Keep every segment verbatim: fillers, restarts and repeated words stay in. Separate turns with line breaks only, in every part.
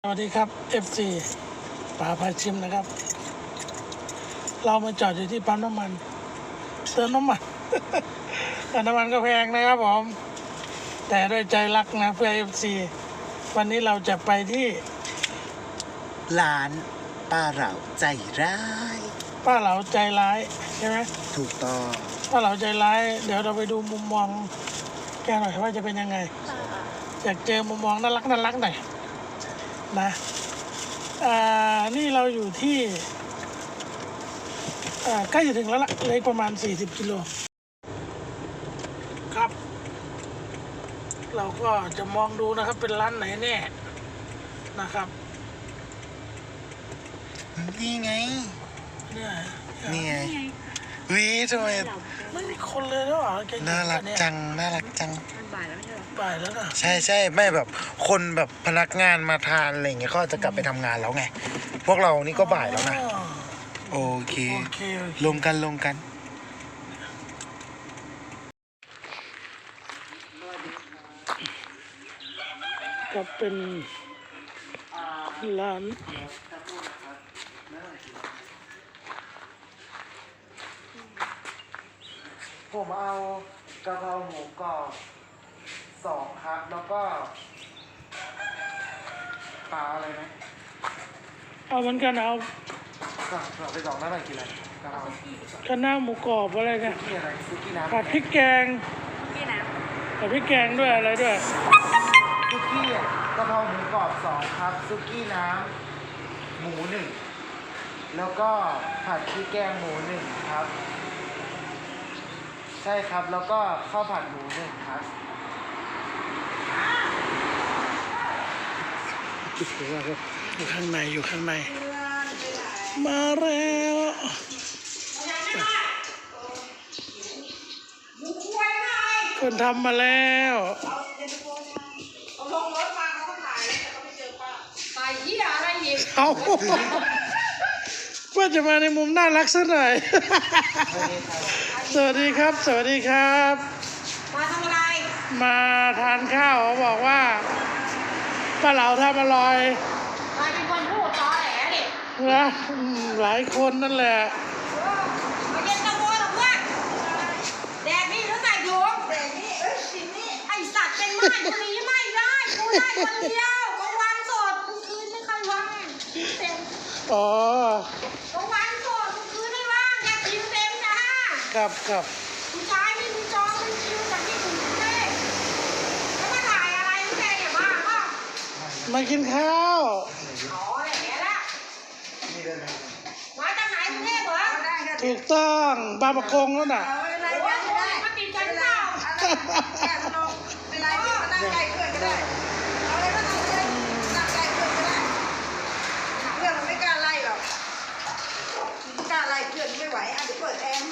สวัสดีครับ เอฟ ซี ป่าพาชิมนะครับ เรามาจอดอยู่ที่ปั๊มน้ำมันเติมน้ำมัน แต่น้ำมันก็แพงนะครับผม แต่ด้วยใจรักนะเพื่อ เอฟ ซี วันนี้เราจะไปที่
ร้านป้าเหล่าใจร้าย
ป้าเหลาใจร้ายใช่ไหม
ถูกต้อง
ป้าเหลาใจร้าย เดี๋ยวเราไปดูมุมมองแกหน่อยว่าจะเป็นยังไง อยากเจอมุมมองน่ารักน่ารักหน่อยนะอ่านี่เราอยู่ที่อ่าใกล้จะถึงแล้วล่ะเลยประมาณสี่สิบกิโลครับ เราก็จะมองดูนะครับเป็นร้านไหนแน่นะครับ
นี่ไง
เนี่ย
นี่ไงวิทำไม
ไม่มีคนเลยแล้วเหรอแก
น่ารัก
เนี่ย
จังน่ารักจัง
มันบ่ายแล้วไม่ใช่หรอ
บ่ายแล้วนะ
ใช่ใช่ไม่แบบคนแบบพนักงานมาทานอะไรอย่างเงี้ยเขาจะกลับไปทำงานแล้วไง พวกเรานี่ก็บ่ายแล้วนะ
อ๋อ
โอเค
โอเคโอเค
ลงกันลงกัน
ก็เป็นร้าน
ผมเอากะเพราหมูกรอบสองครับแล้วก็ปลาอะไรนะ
เอาเหมือนกันเอา
ก็ไปสองนั่นอะไรกินอะไรกะเพรา
คะน้าหมูกรอบอะไรเนี่ย
ที่อะไรซุกี้น้ำ
ผัดพริกแกง
พี่นะ
ผัดพริกแกงด้วยอะไรด้วย
ซุกี้อ่ะกะเพราหมูกรอบสองครับซุกี้น้ำหมูหนึ่งแล้วก็ผัดพริกแกงหมูหนึ่งครับ ใช่ครับแล้วก็ข้าวผัดหมูหนึ่งครับ
อยู่ข้างในอยู่ข้างใน มาแล้วคนทำมาแล้ว
เอาลงรถมาเขาก็ถ่ายแล้วเขาไปเจอป้าถ่ายเหี้ยอะไรอีก
เอาว่าจะมาในมุมน่ารักสักหน่อย สวัสดีครับ สวัสดีครับ
มาทำอะไร
มาทานข้าวเขาบอกว่าป้าเหลาทำอร่อย
มาเป็นคนพูดตอแหลดิ
นะอืมหลายคนนั่นแหละ
มาเย็นตะโกนหรอเพื่อนแดกนี่หรือใส่ถุงแดกนี่เอ้ยสินี่ไอสัตว์เป็นไม้คนนี้ไม่ได้กูได้คนเดียวกลางวันสดกลางคืนไม่ค่อยว่างเต็ม
อ๋อก
ลางวันสดกลางคืนไม่ว่างแยกคิวเต็มจ้า
ครับครับ
ผู้ชายไม่มีจองไม่มีคิวจากที่อื่นเต้แล้วมาถ่ายอะไรไม่ได้เนี่ยบ้าป่ะ
มากินข้าว
อ๋อแหละละมาจากไหนกรุงเทพเหรอ
ถูกต้องบางประกงแล้วน่ะ
เอาอะไรก็ได้มากินกันเปล่าแอบลงเป็นไรมานั่งไก่เพื่อนก็ได้เอาอะไรก็ทำเลยนั่งไก่เพื่อนก็ได้เพื่อนมันไม่กล้าไล่หรอกไม่กล้าไล่เพื่อนไม่ไหวอ่ะเดี๋ยวเปิดแอร์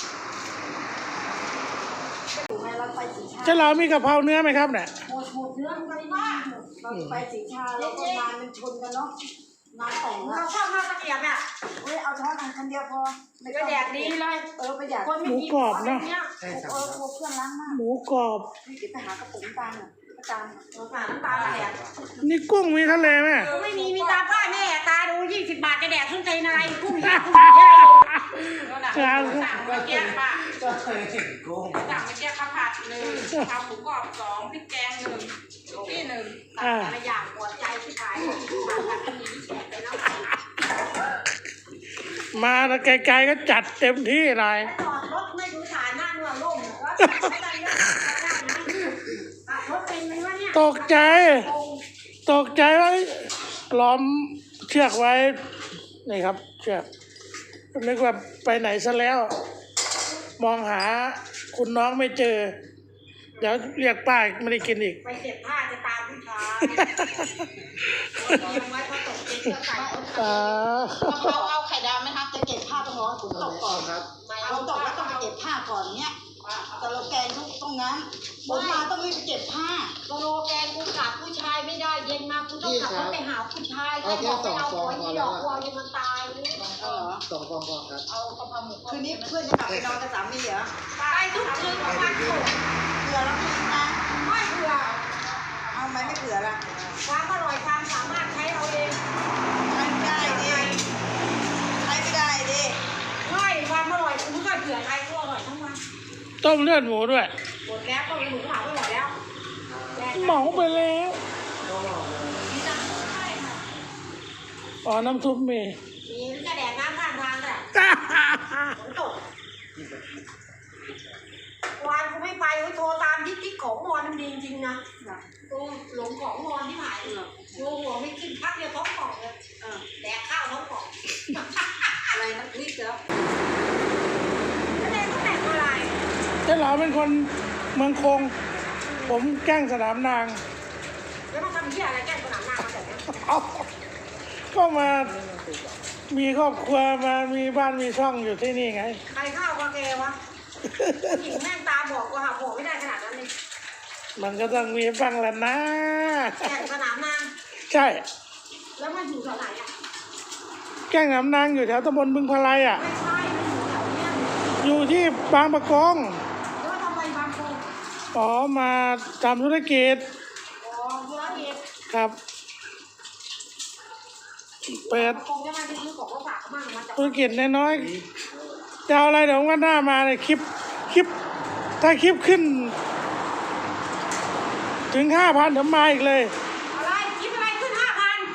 ถูกไหมเราไปสีชา
เจ้าเรามีกะเพราเนื้อไหมครับเนี่ย
หมดหมดเนื้อมันก็ว่าเราไปสีชาแล้วก็งานมันชนกันเนาะงานแต่งเราชอบมากตะเกียบเนี่ยเฮ้ยเอาช้อนอันคันเดียวพอไม่ก็แดกดีเลยเออประหยัดคนไม่มีเออเพื่อนล้างหน้า
หมูกรอบ
นี่เดี๋ยวไปหากระปุกน้ำตาลน่ะน้ำตาลน้ำตาลน้ำตาลแดก
นี่กุ้งมีทะเลไหม
ไม่มีมีตาป้าแม่ตาดูยี่สิบบาทจะแดกส้นตีนอะไรกุ้งยี่กุ้งเยอะ
จาน
สั่งเมื่อกี้ค่ะ
ก็เคยเห็นกุ้ง
สั่งเมื่อกี้ข้าวผัดหนึ่งข้าวหมูกรอบสองพริกแกงหนึ่งที่หนึ่ง
อ่า
อะไรอย่างปวดใจที่ขายผัดผัดอันนี้แฉะไปแล้ว
มาแล้วไกลๆก็จัดเต็มที่เลย
จอดรถไม่ดูฐานหน้าเนื้อล่มแล้วไม่ได้เรื่องขับรถเป็นไหมวะเนี่ย
ตกใจ ตกใจว่าล้อมเชือกไว้ นี่ครับ เชือกนึกว่าไปไหนซะแล้ว มองหาคุณน้องไม่เจอ เดี๋ยวเรียกป้าไม่ได้กินอีก
ไปเก็บผ้าจะตามผู้ชายยังไว้พอตกเย็นก็ใส่
อ่า
เราเอาไข่ดาวไหมครับจะเก็บผ้าต้องรอให้ฝนตกก่อน
ครับ
ฝนตกแล้วต้องไปเก็บผ้าก่อนเนี้ยแต่เราแกงทุกตรงนั้นฝนมาต้องรีบไปเก็บผ้า
โลแกนกูขาดผู้ชายไม่ได้เย็นมากูต้องขับรถไปหาผู้ชายให้บอกไปเอาหัวยี่ดอกวัวยังมันตายนี่
เออ
สองฟองก่อนครับ
เอากระเพราหมู
คืนนี้เพื่อนจะกลับไปนอนกับสามีเหรอ
ไปทุกคืนของวันศุกร์
เผื่อเราไม่กินนะ
ไม่เผื่อ
เอาไหมไม่เผื่อละ
ความอร่อยความสามารถใช้เอาเอ
ต้มเลือดหมูด้วย
หมดแล้วก็เลยหมูเผาไปหมดแล้ว
เหมาไปแล้วอ๋อน้ำซุปมี
มีกระแดกน้ำข้างทางเลยฝนตกวานกูไม่ไปกูโทรตามที่ที่ของมอนมันดีจริงๆนะกูหลงของมอนที่หายดูหัวไม่กินพักเดียวท้องป่องเลยแดกข้าวท้องป่องอะไรนะพริกเหรอแสดงก็แต่งอะไร
เจ้าหลาเป็นคนเมืองคง ผมแกล้งสนามนาง
แล้วมาทำที่อะไรแก้สนามหน้ามาแบบนี้
เอาก็มามีครอบครัวมามีบ้านมีช่องอยู่ที่นี่ไง
ใครข้าวกาแกวะหญิงแม่งตาบอกว่าหาผัวไม่ได้ขนาดนั้นเลย
มันก็ต้องมีบ้างแหละนะ
แก่สนามนาง
ใช่
แล้วมันอยู่แถวไหนอ่ะ
แกล้งสนามนางอยู่แถวตำบลบึงพลายอ่ะ
ไม่ใช่ไม่อยู่แถวเนี้ย
อยู่ที่บางประกง
แล้วทำไมบางคน
อ๋อมาทำธุรกิจ
อ๋อธุรกิจ
ครับ เปิด
คงจะมาซื้อของก็ฝากเขามั่งมาจาก
ธุรกิจน้อยๆจะเอาอะไรเดี๋ยววันหน้ามาเลยคลิปคลิป ถ้าคลิปขึ้น ถึงห้าพันเดี๋ยวมาอีกเลย
อะไรคิดอะไรขึ้นห้าพัน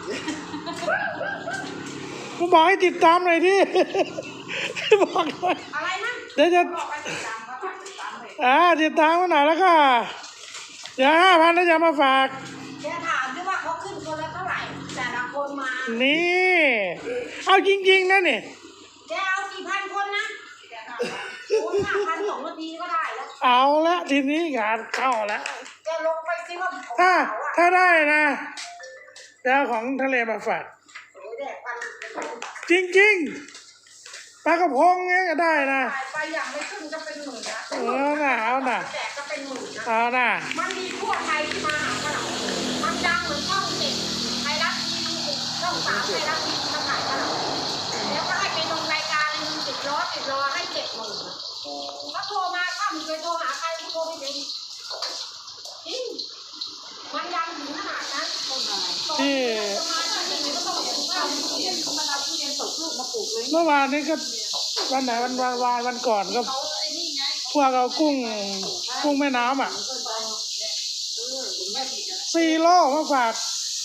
กูบอกให้ติดตามหน่อยที่ บอกหน่อย
อะไรนะ
เดี๋ยวจะ
บอกไปติดตามเขาฝากติดตามเลย
อ่าติดตามมาหน่อยแล้วก็เดี๋ยวห้าพันแล้วจะมาฝาก
แกถามด้วยว่าเขาขึ้นคนละเท่าไหร่แต่ละคนมา
นี่ เอาจริงๆนะนี่
แกเอากี่พันคนนะโอ้ห้าพันสองนาทีก็ได้แล้ว
เอาละทีนี้งานเข้าแล้ว
แกลงไปซิว่าของ
ถ้า
เขาอ่ะ
ถ้าได้นะจะเอาของทะเลมาฝาก
โอ้ยแดกปัน
จริงๆปลากระพงเงี้ยก็ได้นะ
ขายไปอย่างไม่ขึ้นก็เป็นหมื่นนะ
เออน่ะเอาน่ะ
แดกก็เป็นหมื่นนะ
เอาน่ะ
มันมีทั่วไทยที่มาหาขนมมันดังเหมือนช่องเจ็ดไทยรัฐทีวีช่องสามไทยรัฐทีวีมาขายขนมแล้วก็ให้ไปลงรายการหนึ่งติดล้อติดล้อให้เจ็ดหมื่นก็โทรมาถ้ามึงเคยโทรหาใครก็โทรไม่เป็นจริงมันดังถึงขนาดนั้น
ที่
จะมาที่นี่ก็ต้องเห็นว่า
มันเอาทุเรียนสดลูกมาปลูกเลย
เมื่อวานนี้ก็วันไหนวันวานวานวันก่อนก็
เขาไอ้นี่ไง
พวกเอากุ้งกุ้งแม่น้ำอ่ะ
เกินไปเออถึงแม่ผิดนะ
สี่โลมาฝาก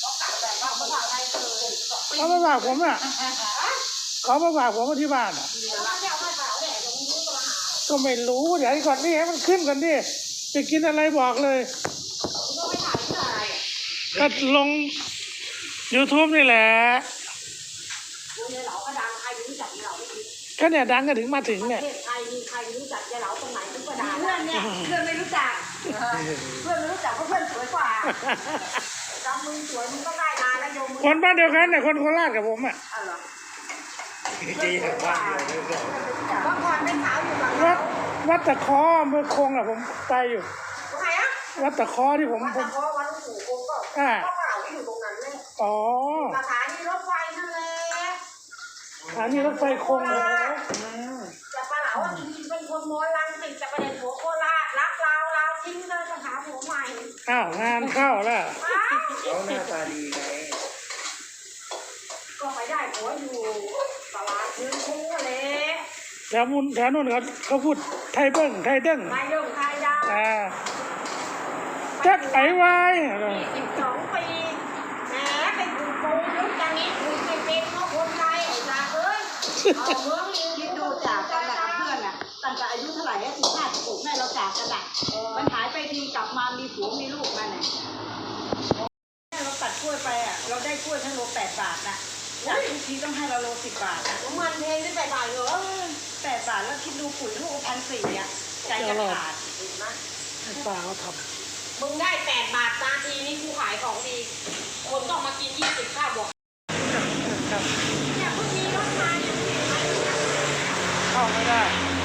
เขามาฝากผมอ่ะเขามาฝากผมที่บ้านอ่ะ ก็ไม่รู้เดี๋ยวก่อนนี่ให้มันขึ้นก่อนดิจะกินอะไรบอกเลยก็ลง YouTube นี่แหละก็เนี่ยดังกันถึงมาถึงเนี่ย
ประเทศไทยมีใครรู้จักยายเหลาตรงไหนทุกประดา
เพื่อนเนี่ยเพื่อนไม่รู้จัก
เพื่อนไม่รู้จักเพราะเพื่อนสวยกว่าจำมึงสวยมึงก็ได้นานแล้วโยมมึง
คนบ้านเดียวกันเนี่ยคนโคราชกับผมอ่ะ
อ๋อเหรอ
จีนบ้านเดียวกัน
เมื่อก่อนเป็นสาวอยู่กับ
วัดวัดตะเคออำเภอคงอ่ะผมไปอยู่
ตรงไหนอะ
วัดตะเคอที่ผม
วัด
ผ
ตะ
ม
โกวัดหลวงปู่คงก็
อ่า
ก็เปล่าอยู่ตรงนั้นเลย
อ๋อ
สถานีรถไฟนั่นแหละ
สถานีรถไฟคงเลย
จะปลาเหลาอ่ะจริงๆเป็นคนโมลังติดจะประเด็นหัวโคราชรักลาวลาวทิ้งเลยจะหาผัวใหม่
อ้าวงานเข้าแล้ว
ว้าว
เขาหน้าตาดีไง
ก็ไปได้ผัวอยู่ตลาดเมืองคุ้งเลย
แถวมุนแถวนู้นเขาเขาพูดไทยเบิ้งไทยเด้ง
นายเรื่องไทยดาว
อ่าแจ็คไอวาย
สิบสองปีแหมเป็นคุณโกงยุคจังนี้คุณไปเป็นเพราะคนไทยไอ้ลาเอ้ยเอาเมืองลิง
คิดดูจากกันกับเพื่อนอ่ะตั้งแต่อายุเท่าไหร่สิบห้าสิบหกแม่เราจากกันอ่ะมันหายไปทีกลับมามีผัวมีลูกมันอ่ะแม่เราตัดกล้วยไปอ่ะเราได้กล้วยทั้งโลแปดบาทน่ะจากทุกทีต้องให้เราโลสิบบาทอ่ะ
น้ำมันเพลงที่ไปบ่ายเหรอ
แปดบาทแล้วคิดดูปุ๋ยลูกพันสี่อ่ะใจจะขาด
เห็นไหม
ป้าเขาท
มึงได้แปดบาทนาทีนี่กูขายของดี คนต้องมากินยี่สิบข้าวบอก
ำครับ
เนี่ยเพิ่งมีรถมาเนี่ย
เข้าไม่ได้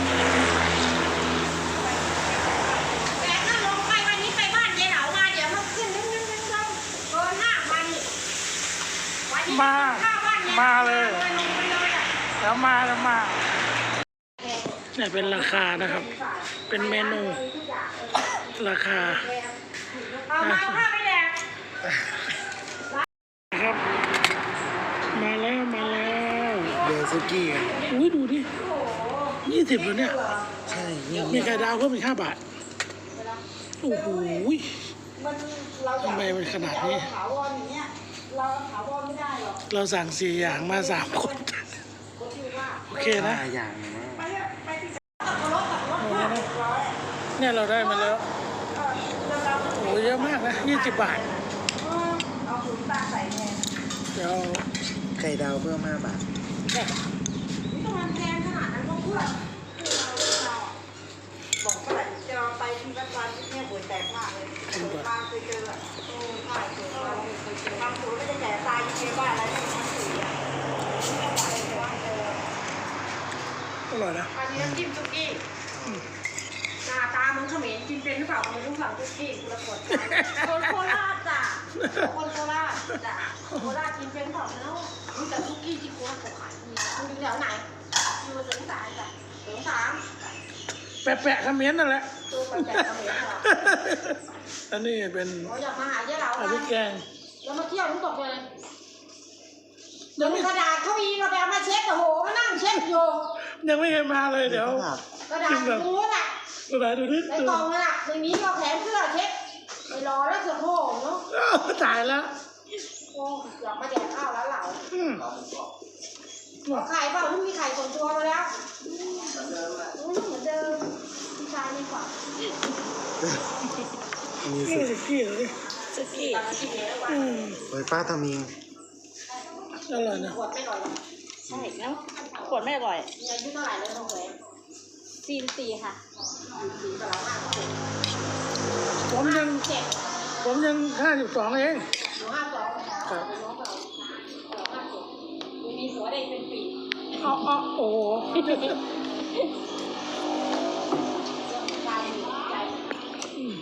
แต่ถ้าลงไปวันนี้ไปบ้านยายเหลามาเดี๋ยวมันขึ้นนึงนึงนึงนึงเกินห้าพันอีกวันนี้
มา
ข้าวบ้านยาย
มาเลย
ลงไปเลยอ่ะ
แล้วมาแล้วมาเนี่ยเป็นราคานะครับ เป็นเมนูราคา
เอามาข้าวไปแดก
ครับ มาแล้วมาแล้ว
เดือซุกี้กัน
อุ้ยดูดิยี่สิบเลยเนี่ย
ใช่นี่
มีไข่ดาวเพิ่มอีกห้าบาท โอ้โห
มันเราอยาก
ทำไมมันขนาดนี้
เรถาวรอย่างเงี้ยเราถาวรไม่ได้หรอก
เราสั่งสี่อย่างมาสามคน
ก็คือว่า
โอเคนะ
ห้าอย่างนะ
ไปเถอะไปที่ตัดรถตัดรถห้าสิบร้อย
เนี่ยเราได้มาแล้ว
เออเราเรา
โอ้โหเยอะมากนะยี่สิบบาท
เออเอาถุงตาใส่แทน
เดี๋ยว
ไข่ดาวเพิ่มห้าบาท
นี่ต้องมันแพงขนาดนั้นก็เพื่อเพื่อเราเพื่อเราอ่ะบอกเมื่อไหร่จะเราไปที่วัดวานที่เนี่ยปวดแตกมากเลยบางเคยเจออ่ะโอ้ใช่เคยเจอเคยเจอบางคนไม่ได้แจกตายยังไงบ้าอะไรที่มันสีอ่ะนี่ก็ไปเลยว่าเจอ
อร่อยนะ
อันนี้น้ำจิ้มซุกี้หน้าตามันเขมรกินเป็นหรือเปล่าไม่รู้สั่งซุกี้คุณละคน
คนโคราชจ้ะคนโคราช
จ้ะโคราชกินเป็นเปล่าเนาะมีแต่ซุกี้ที่โคราชเขาขายมีคุณอยู่แถวไหนอยู่เสริมสารจ้ะเสริมสาร
แปะๆคอมเมนต์นั่นแหละ
ตัวไปแบบเขมรเหรอ
อันนี้เป็น
เราอยากมาหาเจ้าเรา
อันนี้แกง
แล้วมาเที่ยวน้ำตกเลย
ยังไม่
กระดาษเขาอีเราไปเอามาเช็ดโอ้โหมานั่งเช็ดอยู่
ยังไม่เคยมาเลยเดี๋ยว
กระดาษมูนอ่ะ
ดูไหนดูนิด
ใน
ดู
กล่องนั่นอ่ะในนี้เราแขนเสื้อเช็ดไปรอแล้วเสือโผล่เนาะ
อ้าวตายแล้ว
โอ้อยากมาแดกข้าวแล้วเหล่า
อืม
ไข่เปล่าไม่มีไข่ส่วนตัวมาแล้วอืมเหมือนเดิมพี่ชายนี่กว่า
มี
นี่
สุด
สิกี้เลย
สกี้ตอนที่เลี้ยงว่า
อืม
โอ้ยป้าทำเอง
อร่อยนะ
ขวดไม่หน่อยหรอก
ใช่แล้วขวดไม่อร่อย
มีอายุเท่าไหร่เลยน้องแหวน
ซีนซีค่ะ
สี่กับเราห้าสิบเจ็ด
ผมยัง
เจ็ด
ผมยังห้าสิบสองเอง
หนูห้าสอง
ครับ
น้องเราเราห้าสิบมีมีหัวได้เป็นปี
อ๋ออ๋อโอ้โห
เรื่องการมีใจ
อืม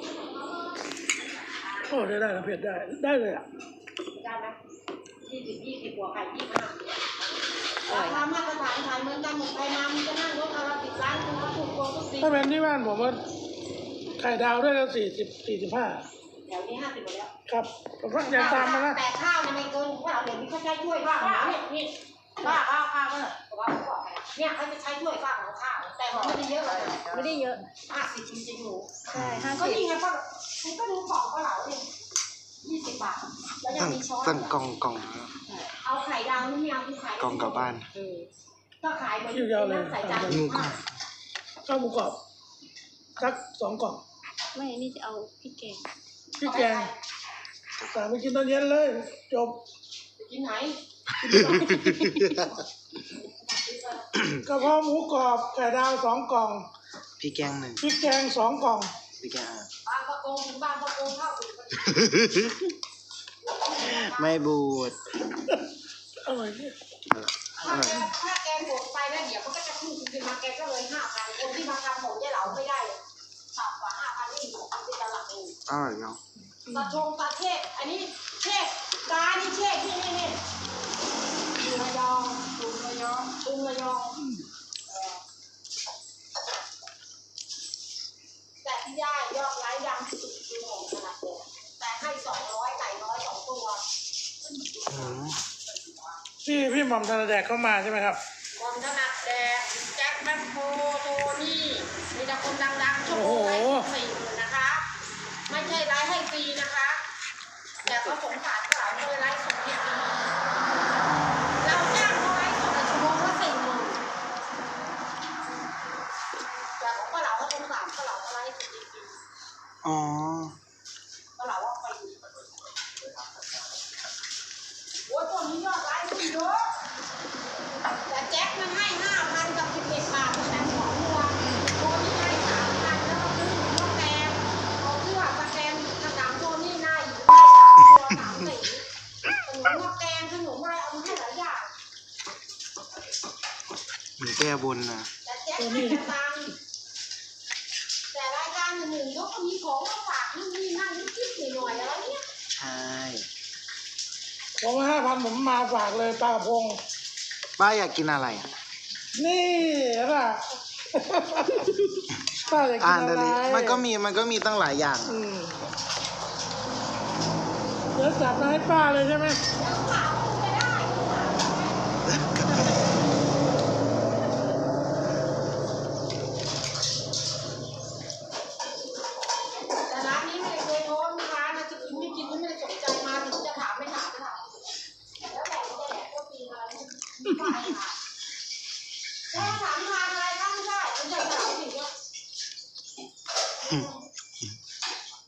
โอ้ได้ได้นะเผ็ดได้ได้เลยอ่ะ
ได้ไหมยี่สิบยี่สิบหัวไข่ยี่สิบห้าราคามาตรฐานขายเหมือนกันหมดไปมามันจะนั่งรถเอาละสิบล้านคุณก็ถูกกว่าทุกปี
ถ้าเป็นที่บ้านผมว่าไข่ดาวได้แล้วสี่สิบสี่สิบห้า
เดี๋ยวนี้ห้าสิบหมดแล้ว
ครับผมก็ยังตามมานะ
แต่ข้าวเนี่ยไม่เกินว่าเราเดี๋ยวนี้เขาใช้ถ้วยบ้างนะเนี่ยนี่บ้าข้าวข้าวก็แต่ว่าเขาบอกเนี่ยเขาจะใช้ถ้วยบ้างของข้าวแต่มันไม่ได้เยอะเลย
ไม่ได้เยอะ
ห้าสิบจริงๆหนู
ใช่ห้า
ก็
สิบ
นี่ไงป้าคุณก็ดูของก็เหลาดิยี่สิบบาทแล้วยัง
สั่ง
มีช้อน
สั่งกล่องกล่อง
เอาไข่ดาวนี่ไม่เอาคุณขาย
กล่องกลับบ้าน
ก็ขายเหมือน
คิวยาวเลย
ใส่จาน
หมูกรอบ
ข้าวหมูกรอบสักสองกล่อง
ไม่นี่จะเอาพริกแกง
พริกแกงสั่งไปกินตอนเย็นเลย จบ
กินไหน
กระเพาะหมูกรอบไข่ดาวสองกล่อง
พี่แกงหนึ่ง
พริกแกงสองกล่อง
พี่แกงอ่ะ
บางประโกงถึงบางประโกงเข้าถึง
ไม่บูด
อร่อยเนี่ย
ถ้าแกถ้าแกหมดไปแล้วเดี๋ยวมันก็จะขึ้นขึ้นมาแกก็เลยห้าพันคนที่มาทำของยายเหลาไม่ได้ต่ำกว่าห้าพันนี่มันเป็นหลักเอง
อร่อยเนาะ
ตาชงตาเทศอันนี้เทศตานี่เทศที่นี่นี่ตุงระยองตุงระยองตุงระยองเออแต่ที่ได้ยอดไลค์ดังสุดคือของขนาดเดียวแต่ให้สองร้อยไก่น้อยสองตัว
อืม
พี่พี่หม่อมธนแดกเข้ามาใช่ไหมครับ
บอมถนัดแดกแจ็คแมคโครโทนี่มีแต่คนดังๆชั่วโมงให้สี่หมื่นนะคะ ไม่ใช่ไลฟ์ให้ฟรีนะคะ แต่เขาสงสารเขาเลยไลฟ์สดจริงๆเราจ้างเขาไลฟ์สดชั่วโมงละสี่หมื่นแต่ของป้าเหลาเขาสงสารป้าเหลาเขาไลฟ์สดจริง
อ๋อ
ๆป้าเหลาว่าไปอยู่โอ้ยตัวนี้ยอดไลฟ์ขึ้นเยอะแต่แจ็คมันให้ห้าพันกับสิบเอ็ดบาทแต่สองตัวตัวนี้ให้สามพันแล้วก็ซื้อหมูนกแดงเอาเสื้อสแกนกระถางตัวนี้ได้อยู่ได้สามตัวสามสีขนมนกแดงขนมอะไรเอามาให้หลายอย่าง
หมีแก้บนนะ
แต่แจ็คให้แต่ตังค์แต่รายการหนึ่งๆเขาก็มีของมาฝากนู่นนี่นั่นนิดๆหน่อยๆอะไรเงี้ย
ใช่
ผมห้าพันผมมาฝากเลยปลากระพง
ป้าอยากกินอะไรอ่ะ
นี่ล่ะ ป้าอยากกิ
อ่าน น
อะไร
เลยมันก็มีมันก็มีตั้งหลายอย่าง
อืมเดี๋ยวจับมาให้ป้าเลยใช่ไหม
แล้วฝากคุณไปได้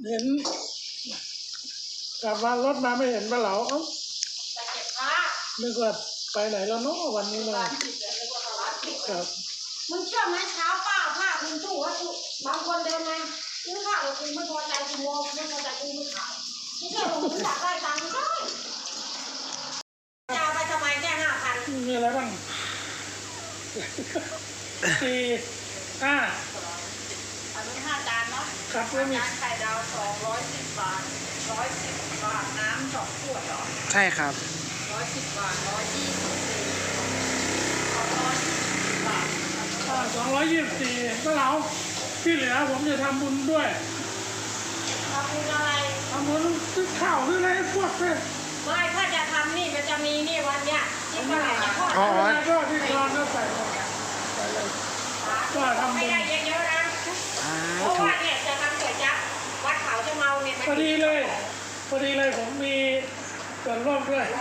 เห็นกลับมารถมาไม่เห็นปลาเหลาเอ้า
ไปเก็บผ้า
นึกว่าไปไหนแล้วเนาะวันนี้เลย
ร้านปิดเลยนึกว่าเขาร้านปิด
ครับ
มึงเชื่อไหมเช้าป้าผ้าคุณตู้ว่าบางคนเดินมาซื้อข้าวแล้วกูไม่พอใจกูโมไม่พอใจกูไม่ขายไม่เชื่อผมอยากได้ตังค์ได้จะเอาไปทำไมแค่ห้าพัน
มีอะไรบ้างสี่ห้า
อันนี้ห้าจานเนาะ
ครับแล้วมี
จานไข่ดาวสองร้อยสิบบาทร้อยสิบบาทน้ำสองขวดเหรอ
ใช่ครับ
ร้อยสิบบาทร้อยยี่สิบสี่สองร้อยยี่สิบบาท
สองร้อยยี่สิบสี่ปลาเหลาที่เหลือผมจะทำบุญด้วย
ทำบุญอะไร
ทำบุญซื้อข้าวซื้ออะไรให้พวกเพื่อน
ไม่ถ้าจะทำนี่มันจะมีนี่วันเนี้ยที่เมื่อไหร่จะทอด
อ๋อ
แล้วก็ที่กรอนก็ใส่ลงใส่เลยก็ทำบุ
ไม่
ญ
ได้เยอะๆนะเพราะว่าเนี่ยจะทำก๋วยจั๊บวัดเขาจะเมาเนี่ยมัน
พอดีเลยพอดีเลยผมมีส่วนร่วมด้วย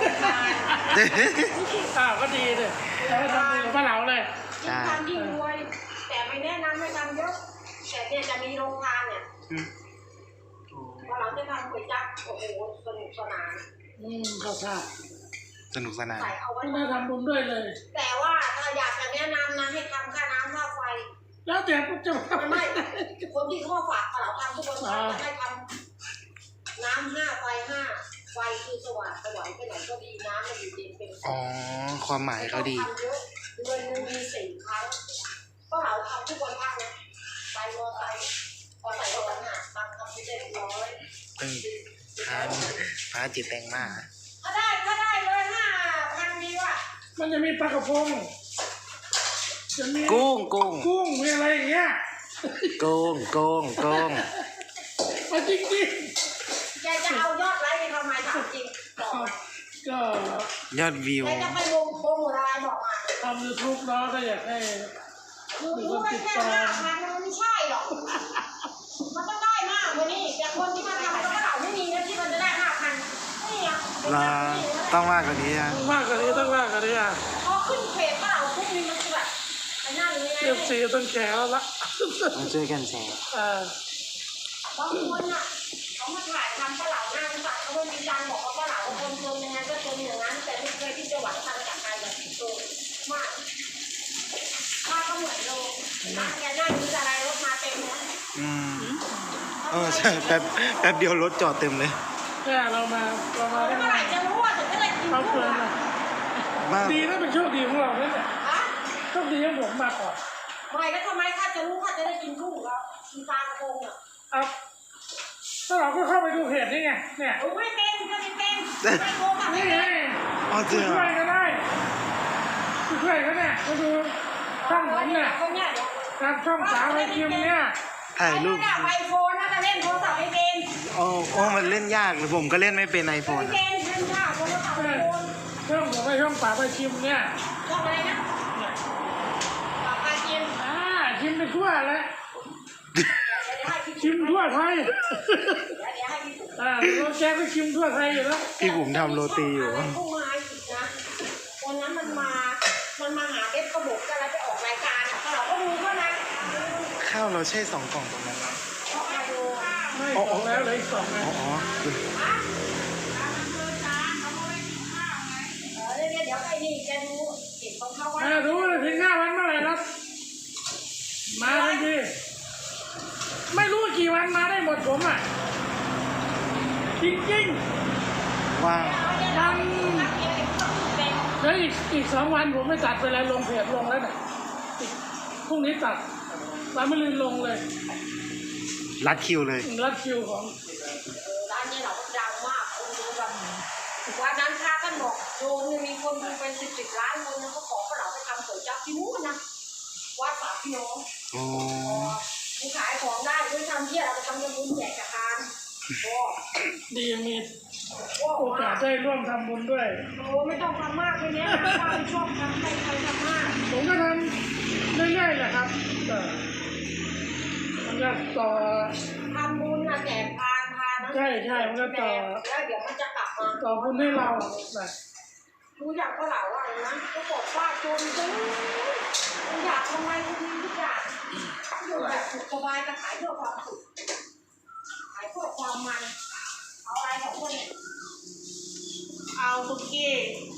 อ้าวก็ดีเลยแล้วทำบุญกับปลาเหลาเลย
ยิ่งทำยิ่งรวย แต่ไม่แนะนำให้ทำเยอะ แต่เนี่ยจะมีโรงทานเนี่ยพอเราจะทำก๋วยจั๊บโอ้โหสนุกสนาน
อืมเข้าท่า
สนุกสนาน
ใส่เอาไว้
ไม่ได้ทำบุญด้วยเลย
แต่ว่าถ้าอยากจะแนะนำนะให้ทำค่าน้ำค่าไฟ
แล้วแต่จะ
ไม่ไม่คนที่เขาฝากเราทำทุกวันจะให้ทำน้ำห้าไฟห้าไฟคือสว่างสว่างไปไหนก็ดีน้ำมันอยู่เย็นเป็น
อ๋อ ความหมายเขาดี
ทำเยอะเงินหนึ่งมีสี่ครั้งก็เราทำทุกวันพักนะไปมอไซค์พอใส่รถหนักตังค์ทำไม่ได้ร้อย
ตึงทานพระจิตแตงมาก
ก็ได้ก็ได้เลยห้าพันดีว่ะ
มันจะมีปลากระพงจะมี
กุ้งกุ้ง
กุ้งมีอะไรอย่างเงี้ย
กุ้งกุ้งกุ้ง
มาจริงจริง
แกจะเอายอดไลค์ไปทำไมถามจริงบอกมา
ก็
ยอดวิว
แกจะไปลงโปรโมทอะไรบอกมา
ทำยูทูบเนาะก็อยากให้
คือรู้ไม่แค่ห้าพันมันไม่ใช่หรอก มันต้องได้มากกว่านี้แต่คนที่มาทำก็เหล่าไม่มีนะที่มันจะได้ห้าพันนี่อ่ะ
ลาต้องมากกว่านี้นะ
ต้องมากกว่านี้ต้องมากกว่านี้อ่ะ
พอขึ้นเพจก็เหล่าปุ๊บนี่มันคือแบบไอ้นั่นเลย
เรียบซีต้องแฉแล้วละ
มาช่วยกันแชร์
อ่า
บางคนอ่ะเขามาถ่ายทำก็เหล่าหน้าสายเขาไม่มีการบอกว่าก็เหล่าคนจนยังไงก็จนอย่างนั้นแต่ไม่เคยที่จะหวังทางจากการแบบโตมากถ้าก็เหมือนโลนะแกนั่งอยู่อะไรรถมาเต็มนะ
อืมเออใช่แป๊บแป๊บเดียวรถจอดเต็มเลย
แค่เรามาเรามาได้
เมื่อไหร่จะรู้ว่าถึงจะได้กิน
เขา
กุ้
เกิ
ง
น
อ่ะ
อ่ะ
มาก
ดีนะเป็นโชคดีของเราเนี่ย
ฮะ
โชคดีของผมมากกว่า
ไม่แล้วทำไมข้าจะรู้ข้าจะได้กินกุ้งแล้วกินปลากระพงอ่ะ
ครับถ้าเราก็เข้าไปดูเพจนี่ไงเนี่ย
โอ้ไม่เป็นก็ไม่เป็นไม่โกงอ่ะไม่
นี่
เป็
ไง
น
อ๋อเจอ
ช่วยก็ได้ช่วยก็ได้มาดูช่องผมเนี่ย
คนเนี่ยเดี๋ยว
ทางช่องสาวไอคิมเนี่ย
ถ่ายรูป
ไอ้ไอโฟนน่าจะเล่นโทรศัพท์ไม่เป็น
โอ้โอ้มันเล่นยากเลยผมก็เล่นไม่เป็นไอโฟ
ไม่
น
เป็นเล่นยากโทรศัพท์ไอโฟน
ช่องผมไอช่องสาวไอคิมเนี่ย
ชอบอะไรนะปากกาจิม
อ่าคิมไปทั่วเลย
เดี๋ยวให้พี่
คิมทั่วไทย
เดี๋ยวเดี๋ยวให้พี่
อ่าเราแกก็คิมทั่วไทยอยู่แล้ว
พี่ผมทำโรตีอยู่
อะไรเข้ามาอีกนะวันนั้นมันมา มันมาหาเด็กกระบอกกันแล้วไปออกรายการอ่ะเราก็รู้เขานะ
ข้าวเราใช่สองกล่องตรงนั้นไหม
ชอบมาดู
ไม่สองแล้วเหลยอีกสองไง
อ๋ออ๋อ
เออเดี๋ยวเดี๋ยวไอ้นี่จะดูเห็นของเขาว่า
อ่ารู้เลยถึงหน้าวันเมื่อไหร่นะมาทันทีไม่รู้กี่วันมาได้หมดผมอ่ะจริงๆ
ว่าง
วันเดี๋ยวอีกอีกสองวันผมไม่ตัดไปแล้วลงเพจลงแล้วเนี่ยอีกพรุ่งนี้ตัดวันมะรืนลงเลย
รัดคิวเลย
รัดคิวของ
ร้านนี้เราก็ดังมากคนดูแบบวันนั้นพระท่านบอกโยมเนี่ยมีคนดูเป็นสิบสิบล้านคนนะเขาขอพวกเราไปทำก๋วยจั๊บที่นู้นนะวัดฝาพี่น้อง
โอ้
มีขายของได้ด้วยทำเที่ยเราไปทำยำบุญแจกกระทานโอ้
ดีมี
โอ้
โอกาสได้ร่วมทำบุญด้วย
โหไม่ต้องทำมากเลยเนี้ยป้าไม่ชอบทำใครใครทำมาก
ผมก็ทำเรื่อยๆแหละครับแต่มันก็ต่อ
ทำบุญนะแจกทานทานนะ
ใช่ใช่มันก็ต่อ
แล้วเดี๋ยวมันจะกลับมา
ต่อบุญให้เรานะ
ดูอยากก็เหล่าอะไรนะก็บอกว่าจนจนอยากทำไมคุณมีทุกอย่างอยู่แบบสุขสบายจะขายเพื่อความสุขขายเพื่อความมันเอาอะไรของคนเนี่ย
เอาคุกกี้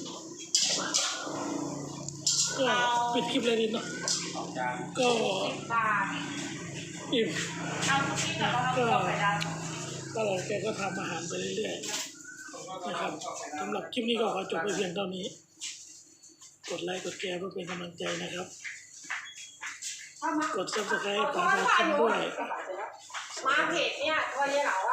ก็ปิดคลิปเลยดิเนาะก็
บาท
อิ่ม
เอาคุกกี้กับเรา
ก็
เอาไข่ดาว
ตลอดแกก็ทำอาหารไปเรื่อยๆนะครับสำหรับคลิปนี้ก็ขอจบไปเพียงเท่านี้ กดไลค์กดแชร์เพื่อเป็นกำลังใจนะครับ กดซับสไครต์ปาพาชิมด้วย
มาเพจเนี่ยตัวยายเหลาอะ